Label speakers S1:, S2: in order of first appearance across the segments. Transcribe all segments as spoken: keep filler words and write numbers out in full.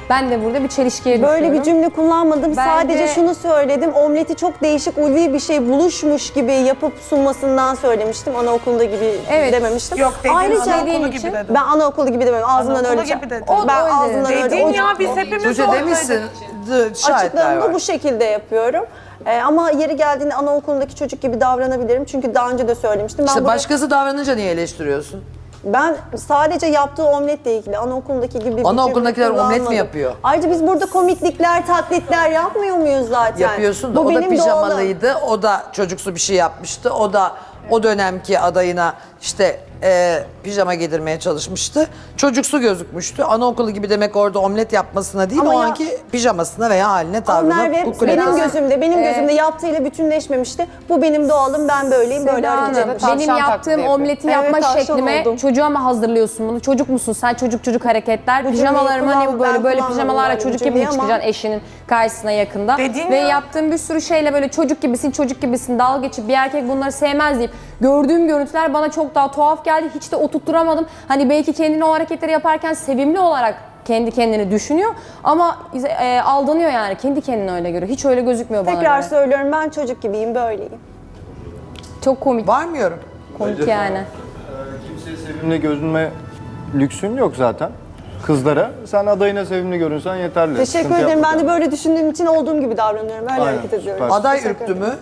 S1: Ben de burada bir çelişkiye düşüyorum.
S2: Böyle bir cümle kullanmadım.
S1: Bence-
S2: Sadece şunu söyledim. Omleti çok değişik, ulvi bir şey buluşmuş gibi yapıp sunmasından söylemiştim. Anaokulunda gibi
S1: Evet.
S2: dememiştim.
S3: Yok dedin,
S2: Ayrıca
S3: anaokulu gibi
S2: için,
S3: dedin.
S2: ben anaokulu gibi demedim. Ağzından
S3: Anaokulu
S2: öyle.
S3: gibi dedin.
S2: O, ben
S1: O öyle
S2: ağzından öyle.
S3: Dedin
S2: o-
S3: ya biz hepimiz
S4: Tuğçe
S3: oradaydık.
S4: demişsin. d- Şahitler var.
S2: Açıklamamı bu şekilde yapıyorum. Ee, ama yeri geldiğinde anaokulundaki çocuk gibi davranabilirim. Çünkü daha önce de söylemiştim. Ben,
S4: İşte
S2: burada-
S4: başkası davranınca niye eleştiriyorsun?
S2: ben sadece yaptığı omletle ilgili anaokulundaki gibi bir
S4: Anaokulundakiler
S2: cümle
S4: omlet mi
S2: kullanmadım.
S4: yapıyor?
S2: Ayrıca biz burada komiklikler, taklitler yapmıyor muyuz zaten?
S4: Yapıyorsun da
S2: Bu
S4: o da
S2: benim doğalım.
S4: pijamalıydı. O da çocuksu bir şey yapmıştı. O da o dönemki adayına işte e, pijama giydirmeye çalışmıştı. Çocuksu gözükmüştü. Anaokulu gibi demek orada omlet yapmasına değil,
S2: Ama
S4: o
S2: ya-
S4: anki pijamasına veya haline,
S2: Ama
S4: tavrına.
S2: Merve
S4: kukule-
S2: benim gözümde, benim
S1: Ee,
S2: gözümde yaptığıyla bütünleşmemişti. Bu benim doğalım, ben böyleyim, böyle
S1: Seda
S2: hareket
S1: Hanım,
S2: etmişim.
S1: benim
S5: Tavşan
S1: yaptığım
S5: taklidi yapıyor.
S1: omleti
S2: Evet,
S1: yapma
S2: tavşan
S1: şeklime
S2: oldum.
S1: çocuğa mı hazırlıyorsun bunu? Çocuk musun sen? Çocuk çocuk hareketler.
S2: Bu
S1: Pijamalarımı
S2: cümleyi
S1: hani
S2: kullan-
S1: böyle
S2: ben
S1: böyle
S2: kullanmadım
S1: pijamalarla
S2: böyle
S1: çocuk
S2: bir
S1: gibi mi
S2: cümleyi ama-
S1: çıkacaksın eşinin karşısına yakında?
S3: Dedin
S1: Ve
S3: ya.
S1: yaptığım bir sürü şeyle böyle çocuk gibisin, çocuk gibisin, dalga geçip bir erkek bunları sevmez deyip gördüğüm görüntüler bana çok daha tuhaf geldi. Hiç de oturtturamadım. Hani belki kendini o hareketleri yaparken sevimli olarak kendi kendini düşünüyor ama e, aldanıyor yani. Kendi kendine öyle görüyor. Hiç öyle gözükmüyor bana
S2: Tekrar
S1: göre.
S2: söylüyorum, ben çocuk gibiyim, böyleyim.
S1: Çok komik,
S4: Var mı yorum?
S1: komik yani.
S6: Kimseye sevimli görünme lüksün yok zaten. Kızlara. Sen adayına sevimli görünsen yeterli.
S2: Teşekkür
S6: Sıkıntı
S2: ederim.
S6: yapma
S2: Ben de
S6: kendine.
S2: böyle düşündüğüm için olduğum gibi davranıyorum. Öyle
S6: Aynen,
S2: hareket ediyorum.
S6: süper.
S4: Aday
S2: Teşekkür
S4: ürktü
S2: ederim.
S4: mü?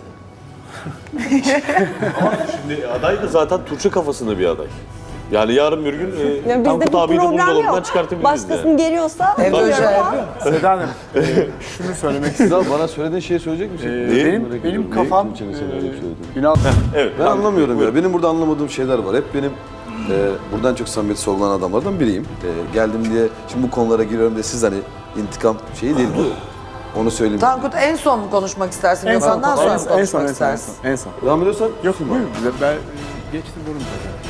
S7: Şimdi aday da zaten Tuğçe kafasında bir aday. Yani yarın bir gün e,
S2: Yani
S7: Tankut
S2: bizde bu
S7: abiyi de
S2: program
S7: buzdolabından
S2: yok.
S7: çıkartabiliriz
S2: Başkasını
S7: yani.
S2: geliyorsa
S4: Evde
S2: geliyorum
S4: özel
S2: ama
S4: yapıyor mu?
S6: Seda Hanım, e, şunu söylemek istiyorum.
S8: Sıra bana söylediğin şeyi söyleyecek misin?
S6: Ee,
S8: Neyi?
S6: benim
S8: Merak
S6: benim
S8: ediyorum.
S6: kafam
S8: Neyi Tuğçe'nin sana öyle bir söyledi?
S6: e, Ünal
S7: Evet.
S8: Ben
S7: Tankut,
S8: anlamıyorum
S7: buyurun.
S8: ya. Benim burada anlamadığım şeyler var. Hep benim e, buradan çok samimiyeti sorgulanan adamlardan biriyim. E, geldim diye şimdi bu konulara giriyorum diye siz hani intikam şeyi değil bu. Onu söyleyeyim.
S4: Tankut en son mu konuşmak istersin?
S6: en son,
S4: Gökhan'dan sonra mı
S6: en son,
S4: konuşmak
S6: en son, en son,
S4: istersin?
S6: en son.
S8: Devam ediyorsan
S6: Yok buyurun, ben geçtim durum.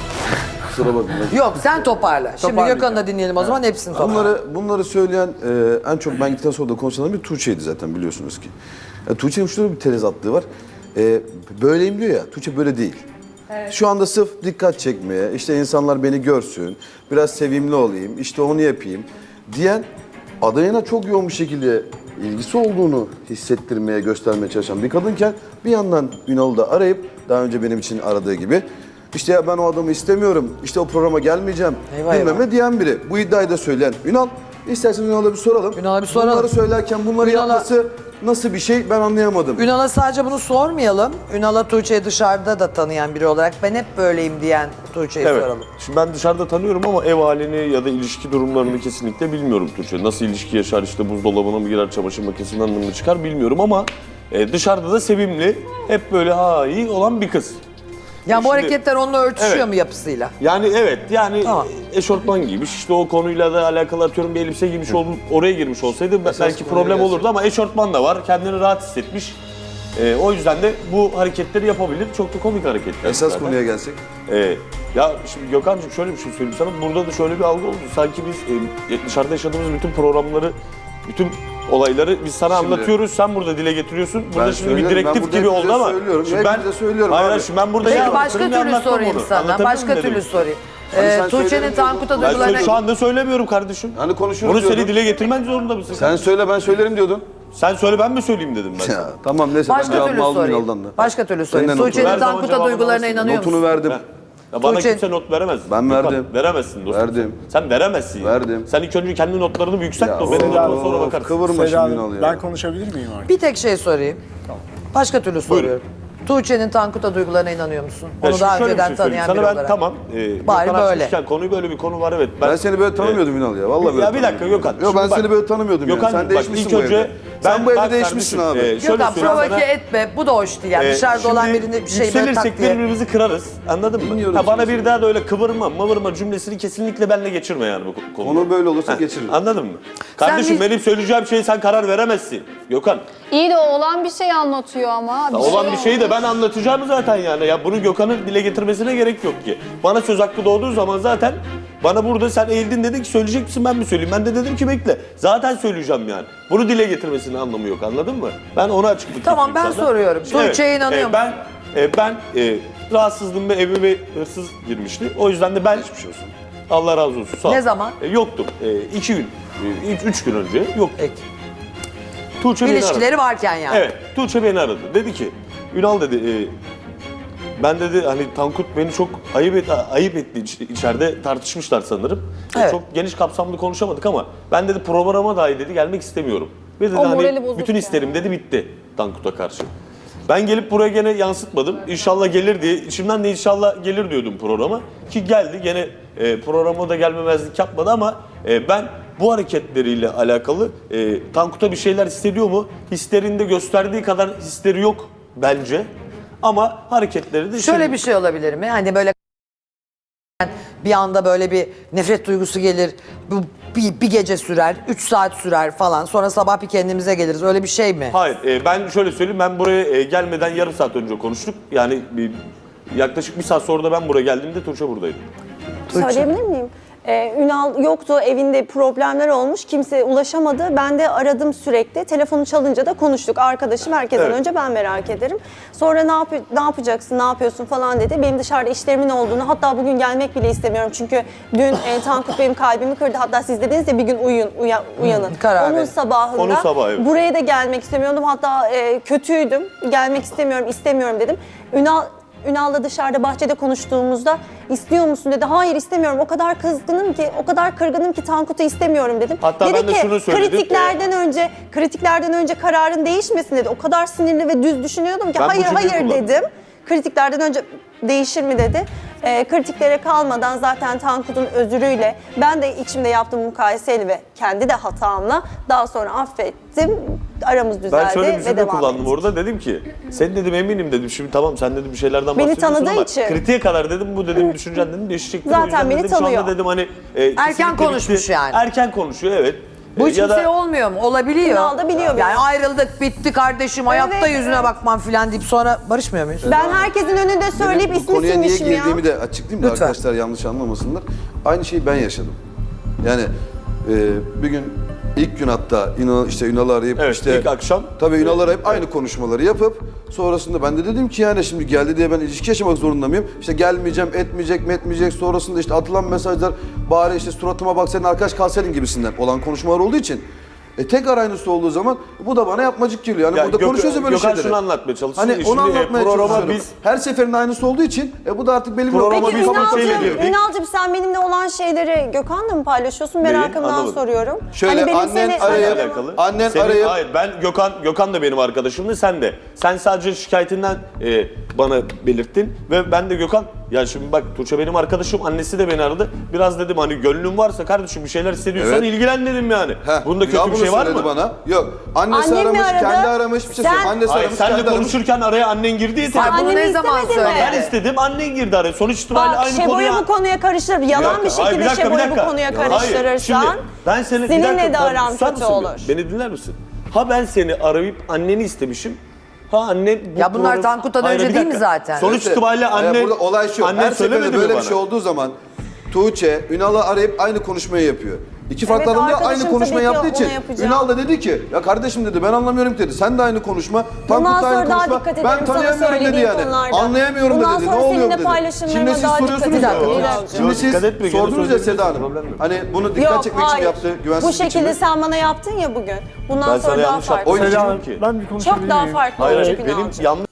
S8: kusura bakma.
S4: Yok sen toparla. Şimdi
S6: Toparlayacağım.
S4: Gökhan'ı da dinleyelim o zaman hepsini toparla.
S8: Bunları bunları söyleyen e, en çok ben gittikten sonra da konuşanların bir Tuğçe'ydi zaten biliyorsunuz ki. Ya, Tuğçe'nin şurada bir tezatlığı var. E, böyleyim diyor ya. Tuğçe böyle değil. Şu anda sırf dikkat çekmeye, işte insanlar beni görsün, biraz sevimli olayım, işte onu yapayım diyen adayına çok yoğun bir şekilde ilgisi olduğunu hissettirmeye, göstermeye çalışan bir kadınken bir yandan Ünal'ı da arayıp daha önce benim için aradığı gibi işte ya ben o adamı istemiyorum, işte o programa gelmeyeceğim
S4: Eyvah,
S8: bilmem
S4: eyvah.
S8: ne diyen biri. Bu iddiayı da söyleyen Ünal. İsterseniz Ünal'a bir soralım.
S4: Ünal'a bir soralım.
S8: Bunları söylerken bunları
S4: Ünal'a-
S8: yapması nasıl bir şey ben anlayamadım.
S4: Ünal'a sadece bunu sormayalım. Ünal'a Tuğçe'yi dışarıda da tanıyan biri olarak ben hep böyleyim diyen Tuğçe'yi
S7: Evet.
S4: soralım.
S7: Şimdi ben dışarıda tanıyorum ama ev halini ya da ilişki durumlarını kesinlikle bilmiyorum Tuğçe. Nasıl ilişki yaşar, işte buzdolabına mı girer, çamaşır makinesinden mi çıkar bilmiyorum ama e, dışarıda da sevimli, hep böyle ha iyi olan bir kız.
S4: Yani bu
S7: Şimdi-
S4: hareketler onunla örtüşüyor
S7: Evet.
S4: mu yapısıyla?
S7: Yani evet yani
S4: Tamam.
S7: eşortman giymiş işte o konuyla da alakalı atıyorum bir elbise giymiş olup oraya girmiş olsaydı be-
S8: Esas
S7: belki
S8: konuya
S7: problem
S8: gelsin.
S7: olurdu ama eşortman da var kendini rahat hissetmiş. Ee, o yüzden de bu hareketleri yapabilir. Çok da komik hareketler.
S8: Esas
S7: zaten.
S8: konuya gelsek.
S7: Ee, ya şimdi Gökhan'cığım şöyle bir şey söyleyeyim sana. Burada da şöyle bir algı oldu. Sanki biz e, dışarıda yaşadığımız bütün programları, bütün olayları biz sana
S8: Şimdi-
S7: anlatıyoruz. Sen burada dile getiriyorsun. Burada
S8: Ben
S7: şimdi bir
S8: söylüyorum, ben
S7: direktif
S8: burada
S7: gibi
S8: hepinize
S7: oldu ama.
S8: söylüyorum,
S7: Şimdi ben,
S8: hepinize söylüyorum
S7: hayır,
S8: abi.
S7: hayır, şimdi ben burada
S4: Peki
S7: şey
S4: başka
S7: anlatırım,
S4: türlü
S7: anlatmam
S4: sorayım
S7: onu.
S4: sana.
S7: Anlatabiliyor
S4: Başka
S7: muyum
S4: türlü
S7: dedim?
S4: sorayım.
S8: Hani
S4: Ee,
S8: sen
S4: Tuğçe'nin
S8: söyledin
S4: Tankut'a
S8: diyordun.
S7: Ben
S4: duygularına...
S7: söyle- şu anda söylemiyorum kardeşim.
S8: Hani konuşuyoruz
S7: Bunu seni
S8: diyordun.
S7: dile getirmen zorunda mısın?
S8: Sen söyle ben söylerim diyordun.
S7: Sen söyle ben mi söyleyeyim dedim ben sana.
S8: Ya, tamam neyse ben
S4: Başka
S8: cevabımı
S4: türlü
S8: aldım
S4: sorayım.
S8: Ünal'dan da.
S4: Başka türlü sorayım.
S8: Senden
S4: Tuğçe'nin
S7: Her zaman
S4: Tankut'a
S7: cevabını
S4: duygularına
S7: alırsın.
S4: inanıyor
S8: Notunu
S4: musun?
S8: verdim.
S7: Ya bana
S4: Tuğçe-
S7: kimse not veremez.
S8: Ben
S7: Gökhan,
S8: verdim.
S7: Veremezsin dostum.
S8: Verdim.
S7: Sen, sen veremezsin.
S8: Verdim.
S7: Sen ilk önce kendi notlarını bir yükselt
S8: Ya,
S7: de o benim
S8: of,
S7: notuma sonra
S8: of,
S7: bakarsın.
S8: Kıvırma
S6: Seda
S8: şimdi
S6: Hanım,
S8: Ünal ya.
S6: ben konuşabilir miyim artık?
S4: Bir tek şey sorayım. Başka türlü soruyorum. Tuğçe'nin Tankut'a duygularına inanıyor musun?
S7: Ya
S4: Onu
S7: şimdi
S4: daha
S7: şöyle bir
S4: önceden
S7: şey söyleyeyim.
S4: tanıyan biri
S7: Sana ben
S4: olarak.
S7: tamam. E,
S4: Bari
S7: Gökhan
S4: böyle.
S7: açmışken konuyu böyle bir konu var evet.
S8: Ben seni böyle tanımıyordum Ünal ya. Vallahi böyle
S7: Ya bir dakika
S8: tanımıyordum.
S7: Gökhan.
S8: Yok ben
S7: şimdi
S8: seni
S7: bak-
S8: böyle tanımıyordum
S7: Gökhan,
S8: yani. Sen
S7: bak,
S8: değişmişsin
S7: ilk
S8: bu
S7: önce
S8: evde. Sen
S7: ben-
S8: bu evde
S7: bak
S8: değişmişsin
S7: kardeşim,
S8: abi.
S7: e, şöyle
S4: Gökhan
S7: söyleyeyim
S4: provoke
S7: sana.
S4: etme. Bu da hoş değil. Yani
S7: Ee,
S4: dışarıda olan
S7: şimdi
S4: birini bir şey böyle tak
S7: yükselirsek
S4: diye.
S7: birbirimizi kırarız. Anladın mı?
S8: Dinliyorum
S7: Ha, bana
S8: seni.
S7: bir daha da öyle kıvırma, mıvırma cümlesini kesinlikle benimle geçirme yani bu ko- konuda.
S8: Konu böyle olursa
S7: Heh,
S8: geçiririm.
S7: Anladın mı? Kardeşim
S4: bir-
S7: benim söyleyeceğim şeye sen karar veremezsin. Gökhan.
S5: İyi de olan bir şey anlatıyor ama.
S7: Ya olan bir şeyi de ben anlatacağım zaten yani. Ya bunu Gökhan'ın dile getirmesine gerek yok ki. Bana söz hakkı doğduğu zaman zaten bana burada sen eğildin dedin ki söyleyecek misin ben mi söyleyeyim? Ben de dedim ki bekle. Zaten söyleyeceğim yani. Bunu dile getirmesinin anlamı yok anladın mı? Ben ona açıklık
S4: Tamam,
S7: getireyim
S4: ben
S7: sana.
S4: soruyorum. Tuğçe'ye inanıyor
S7: e, Ben e, ben e, rahatsızlığım ve evime hırsız girmişti. O yüzden de ben
S8: Geçmiş olsun.
S7: Allah razı olsun. Sağ ol.
S4: Ne zaman?
S7: E, yoktum. E, iki gün, e, üç, üç gün önce yoktum.
S4: Peki.
S7: Tuğçe beni aradı.
S4: İlişkileri varken yani.
S7: Evet, Tuğçe beni aradı. Dedi ki, Ünal dedi, e, ben dedi hani Tankut beni çok ayıp et, ayıp etti İç- içeride tartışmışlar sanırım. E,
S4: Evet.
S7: Çok geniş kapsamlı konuşamadık ama ben dedi programa dahi dedi gelmek istemiyorum. Ve dedi
S5: O morali
S7: hani
S5: bozuk
S7: bütün
S5: yani.
S7: isterim dedi bitti Tankut'a karşı. Ben gelip buraya gene yansıtmadım. İnşallah gelir diye, içimden de inşallah gelir diyordum programa. Ki geldi gene e, programa da gelmemezlik yapmadı ama e, ben bu hareketleriyle alakalı e, Tankut'a bir şeyler hissediyor mu? Hislerinde gösterdiği kadar hisleri yok bence. Ama hareketleri de
S4: Şöyle
S7: şimdi-
S4: bir şey olabilir mi? Hani böyle bir anda böyle bir nefret duygusu gelir. Bu bir, bir gece sürer, üç saat sürer falan. Sonra sabah bir kendimize geliriz. Öyle bir şey mi?
S7: Hayır, e, ben şöyle söyleyeyim, ben buraya e, gelmeden yarım saat önce konuştuk. Yani bir, yaklaşık bir saat sonra da ben buraya geldiğimde Tuğçe buradaydı.
S2: Söyleyebilir miyim? Ee, Ünal yoktu, evinde problemler olmuş, kimse ulaşamadı. Ben de aradım sürekli. Telefonu çalınca da konuştuk. Arkadaşım herkesten
S7: Evet.
S2: önce ben merak ederim. Sonra ne, yap ne yapacaksın, ne yapıyorsun falan dedi. Benim dışarıda işlerimin olduğunu, hatta bugün gelmek bile istemiyorum. Çünkü dün e, Tankut benim kalbimi kırdı. Hatta siz dediniz ya bir gün uyuyun, uya, uyanın.
S4: karar
S2: Onun
S4: verin.
S2: sabahında
S7: Onun sabahı, evet.
S2: buraya da gelmek istemiyordum. Hatta e, kötüydüm. Gelmek istemiyorum, istemiyorum dedim. Ünal Ünal'la dışarıda bahçede konuştuğumuzda istiyor musun dedi. Hayır istemiyorum. O kadar kızgınım ki, o kadar kırgınım ki Tankut'u istemiyorum dedim.
S7: Hatta
S2: dedi
S7: ben de
S2: ki,
S7: şunu söyledim.
S2: kritiklerden önce kritiklerden önce kararın değişmesin dedi. O kadar sinirli ve düz düşünüyordum ki
S7: Ben bu
S2: hayır
S7: cümleyi
S2: hayır
S7: kullandım.
S2: dedim. Kritiklerden önce değişir mi dedi. Ee, kritiklere kalmadan zaten Tankut'un özürüyle ben de içimde yaptığım mukayeseyle ve kendi de hatamla daha sonra affettim. Aramız düzeldi
S7: Ben şöyle bir
S2: ve
S7: cümle
S2: devam
S7: kullandım
S2: ettik.
S7: orada, dedim ki sen dedim eminim dedim, şimdi tamam sen dedim bir şeylerden
S2: Beni
S7: bahsediyorsun
S2: tanıdığı
S7: ama
S2: için.
S7: kritiğe kadar dedim bu dedim düşüncen dedim değişecektir.
S2: Zaten
S7: O yüzden
S2: beni
S7: dedim, şu
S2: tanıyor.
S7: anda dedim hani e, kesinlikle
S4: konuşmuş
S7: bitti.
S4: yani.
S7: Erken konuşuyor, evet.
S4: Bu
S7: E,
S4: hiç
S7: ya da-
S4: kimseye olmuyor mu? Olabiliyor.
S2: Ünal da biliyor
S4: Yani
S2: beni.
S4: ayrıldık, bitti kardeşim, hayatta
S2: Evet,
S4: yüzüne
S2: evet.
S4: bakmam filan deyip sonra barışmıyor muyuz?
S2: Ben herkesin önünde söyleyip
S8: Benim bu
S2: ismi
S8: konuya niye
S2: silmişim ya.
S8: girdiğimi de açıklayayım da
S4: Lütfen.
S8: arkadaşlar yanlış anlamasınlar. Aynı şeyi ben yaşadım. Yani e, bir gün ilk gün hatta Ünal, işte Ünal'ı arayıp
S7: Evet,
S8: işte
S7: ilk akşam.
S8: tabii Ünal'ı arayıp aynı konuşmaları yapıp sonrasında ben de dedim ki yani şimdi geldi diye ben ilişki yaşamak zorunda mıyım? İşte gelmeyeceğim, etmeyecek mi etmeyecek, sonrasında işte atılan mesajlar bari işte suratıma bak senin arkadaş kalsaydın gibisinden olan konuşmalar olduğu için e, tekrar aynısı olduğu zaman bu da bana yapmacık geliyor. Yani
S7: Ya
S8: burada
S7: Gök-
S8: konuşuyoruz ya böyle
S7: Gökhan
S8: şeyleri.
S7: şunu anlatmaya çalışsın.
S8: Hani
S7: Şimdi,
S8: onu
S7: e,
S8: anlatmaya
S7: programa
S8: çalışıyorum.
S7: biz
S8: Her seferinde aynısı olduğu için e, bu da artık belli bir
S7: Programa
S8: noktada
S7: biz
S8: bir
S7: kafasıyla
S2: Ünal'cığım,
S7: girdik.
S2: Ünal'cığım sen benimle olan şeyleri Gökhan'la mı paylaşıyorsun? Merakımdan
S7: Anlamadım.
S2: soruyorum.
S8: Şöyle,
S2: benim
S8: annen
S2: seni-
S8: arayıp-
S7: alakalı.
S8: Annen
S7: Senin-
S8: arayıp-
S7: Hayır, ben Gökhan Gökhan da benim arkadaşımdı, sen de. Sen sadece şikayetinden e, bana belirttin ve ben de Gökhan, ya şimdi bak Tuğçe benim arkadaşım, annesi de beni aradı. Biraz dedim hani gönlün varsa kardeşim bir şeyler hissediyorsan
S8: Evet.
S7: ilgilen dedim yani.
S8: Heh,
S7: Bunda
S8: ya
S7: kötü bir
S8: bunu
S7: şey var
S8: söyledi
S7: mı?
S8: bana. Yok. Annesi
S2: Annem mi
S8: aramış,
S2: aradı?
S8: kendi aramış. Bir şey
S2: Sen-
S8: söyleyeyim. Annesi
S7: Hayır,
S8: aramış,
S7: senle
S8: kendi aramış.
S7: konuşurken araya annen girdi ya.
S4: Sen
S7: sen-
S4: bunu
S2: Annemi
S4: ne zaman
S2: istemedin mi?
S4: söyledin?
S7: Ben istedim, annen girdi araya. Sonuç itibariyle
S2: Bak
S7: aynı
S2: Şebo'yu
S7: konuya...
S2: bu konuya karıştırıp yalan bir
S7: dakika, hayır,
S2: şekilde
S7: dakika, bir
S2: Şebo'yu bu
S7: dakika.
S2: konuya
S7: Hayır,
S2: karıştırırsan
S7: şimdi ben seni, bir
S2: seninle
S7: dakika,
S2: de
S7: ben-
S2: aran
S7: susar
S2: kötü
S7: mısın
S2: olur.
S7: bir? Beni dinler misin? Ha ben seni arayıp anneni istemişim. Ha annen bu
S4: Ya bunlar
S7: program-
S4: Tankut'tan
S7: Hayır,
S4: önce
S7: bir
S4: değil mi
S7: dakika.
S4: zaten?
S7: Sonuç
S8: İşte,
S7: itibariyle
S8: e,
S7: anne...
S8: burada olay şu.
S7: Annen
S8: Her
S7: söylemedi
S8: seferinde
S7: mi
S8: böyle
S7: bana?
S8: bir şey olduğu zaman Tuğçe, Ünal'ı arayıp aynı konuşmayı yapıyor. İki farklı
S2: Evet,
S8: adam da
S2: arkadaşım
S8: aynı konuşmayı
S2: tabii ki
S8: yaptığı için
S2: onu yapacağım.
S8: Ünal da dedi ki ya kardeşim dedi ben anlamıyorum ki dedi. Sen de aynı konuşma.
S2: Bundan
S8: Tankut da aynı
S2: sonra daha
S8: konuşma.
S2: dikkat ederim
S8: Ben
S2: sana
S8: tanıyamıyorum dedi
S2: söylediğim
S8: yani.
S2: konularda.
S8: Anlayamıyorum
S2: Bundan
S8: da dedi. Ne
S2: sonra
S8: oluyor
S2: seninle
S8: dedi.
S2: paylaşımlarıma
S8: Şimdi siz
S2: daha
S8: soruyorsunuz
S2: dikkat
S8: ya.
S2: ederim.
S8: Şimdi
S7: Yok,
S8: siz
S7: dikkat etme, gene
S8: sordunuz ya
S7: söyleyebilirsin,
S8: Seda Hanım.
S7: problem yok.
S8: Hani bunu dikkat
S2: Yok,
S8: çekmek için
S2: hayır.
S8: yaptı.
S2: Bu
S8: Güvensiz
S2: şekilde
S8: biçimi.
S2: sen bana yaptın ya bugün. Bundan
S7: Ben
S2: sonra
S7: sana
S2: daha
S7: yanlış
S2: farklı.
S7: yaptım.
S8: O
S7: Seda
S8: yüzden-
S7: Hanım ki.
S6: Ben bir konuşabilir
S2: Çok daha
S6: miyim?
S2: farklı
S7: Hayır,
S2: olacak
S7: hayır, benim
S2: Ünal'cığım.
S7: yanlış